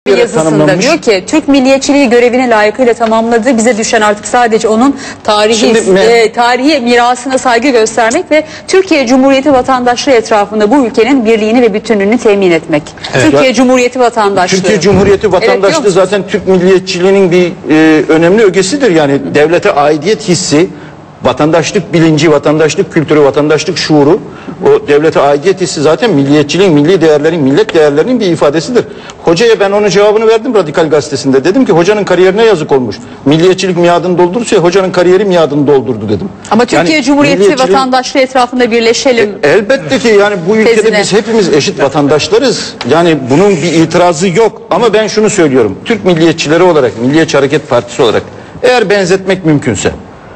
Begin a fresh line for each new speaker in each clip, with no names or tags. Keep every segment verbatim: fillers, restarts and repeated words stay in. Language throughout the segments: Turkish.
yazısında diyor ki Türk milliyetçiliği görevini layıkıyla tamamladı. Bize düşen artık sadece onun tarihi
Şimdi,
e, tarihi mirasına saygı göstermek ve Türkiye Cumhuriyeti vatandaşlığı etrafında bu ülkenin birliğini ve bütünlüğünü temin etmek. Evet. Türkiye Cumhuriyeti vatandaşlığı.
Türkiye Cumhuriyeti vatandaşlığı evet, zaten Türk milliyetçiliğinin bir e, önemli ögesidir. Yani devlete aidiyet hissi, vatandaşlık bilinci, vatandaşlık kültürü, vatandaşlık şuuru, o devlete aidiyet hissi zaten milliyetçiliğin, milli değerlerin, millet değerlerinin bir ifadesidir. Hocaya ben onun cevabını verdim Radikal Gazetesi'nde. Dedim ki hocanın kariyerine yazık olmuş. Milliyetçilik miadını doldurursa hocanın kariyeri miadını doldurdu dedim.
Ama Türkiye yani, Cumhuriyeti vatandaşlığı etrafında birleşelim.
E, elbette ki yani bu ülkede tezine. Biz hepimiz eşit vatandaşlarız. Yani bunun bir itirazı yok. Ama ben şunu söylüyorum. Türk milliyetçileri olarak, Milliyetçi Hareket Partisi olarak eğer benzetmek mümkünse,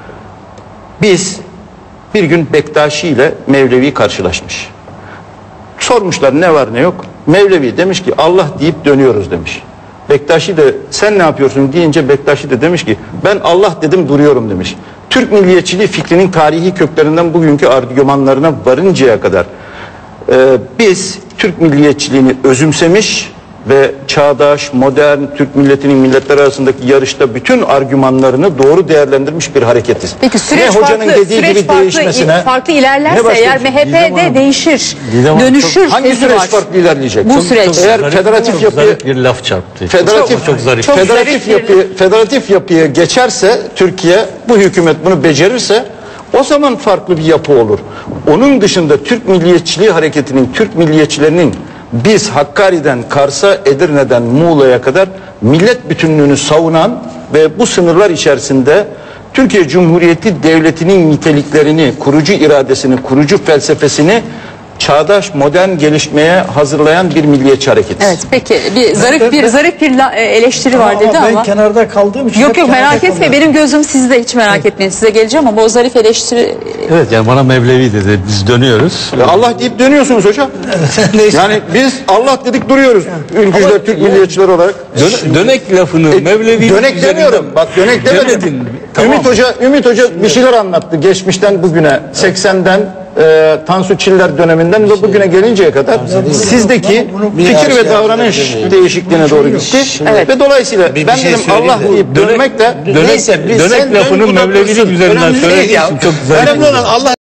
biz bir gün Bektaşi ile Mevlevi karşılaşmış. Sormuşlar ne var ne yok. Mevlevi demiş ki Allah deyip dönüyoruz demiş. Bektaşi de sen ne yapıyorsun deyince Bektaşi de demiş ki ben Allah dedim duruyorum demiş. Türk milliyetçiliği fikrinin tarihi köklerinden bugünkü argümanlarına varıncaya kadar e, biz Türk milliyetçiliğini özümsemiş ve çağdaş, modern Türk milletinin milletler arasındaki yarışta bütün argümanlarını doğru değerlendirmiş bir hareketiz.
Peki süreç ne hocanın farklı, dediği süreç gibi farklı, değişmesine farklı ilerlerse eğer M H P'de değişir, dönüşür.
Hangi süreç var. Farklı ilerleyecek?
Bu çok, süreç.
Çok eğer zarif, federatif yapıyı
bir laf çarptı.
Federatif
çok, çok zarif.
Çok federatif zarif yapıyı federatif yapıya geçerse Türkiye, bu hükümet bunu becerirse o zaman farklı bir yapı olur. Onun dışında Türk milliyetçiliği hareketinin, Türk milliyetçilerinin biz Hakkari'den Kars'a, Edirne'den Muğla'ya kadar millet bütünlüğünü savunan ve bu sınırlar içerisinde Türkiye Cumhuriyeti Devleti'nin niteliklerini, kurucu iradesini, kurucu felsefesini çağdaş, modern gelişmeye hazırlayan bir milliyetçi hareket.
Evet, peki bir zarif ben, bir ben, zarif bir eleştiri
ama
var dedi ama.
Ben kenarda kaldığım için.
Yok yok merak etme, benim gözüm sizde, hiç merak evet. etmeyin, size geleceğim ama o zarif eleştiri.
Evet, yani bana Mevlevi dedi, biz dönüyoruz.
Ya Allah deyip dönüyorsunuz hocam. Yani biz Allah dedik duruyoruz. Ülkücüler, ama, Türk milliyetçiler olarak.
Dön, dönek lafını e, Mevlevi.
Dönek demiyorum. Bak dönek demedim. Tamam. Ümit Hoca, Ümit Hoca bir şeyler anlattı geçmişten bugüne, seksenden e, Tansu Çiller döneminden ve bugüne gelinceye kadar sizdeki fikir ve davranış değişikliğine doğru gitti. Evet. Ve dolayısıyla ben dedim Allah deyip dönmek de
neyse dönek lafının Mevlevilik üzerinden söylediği için çok zarif.
Önemli olan Allah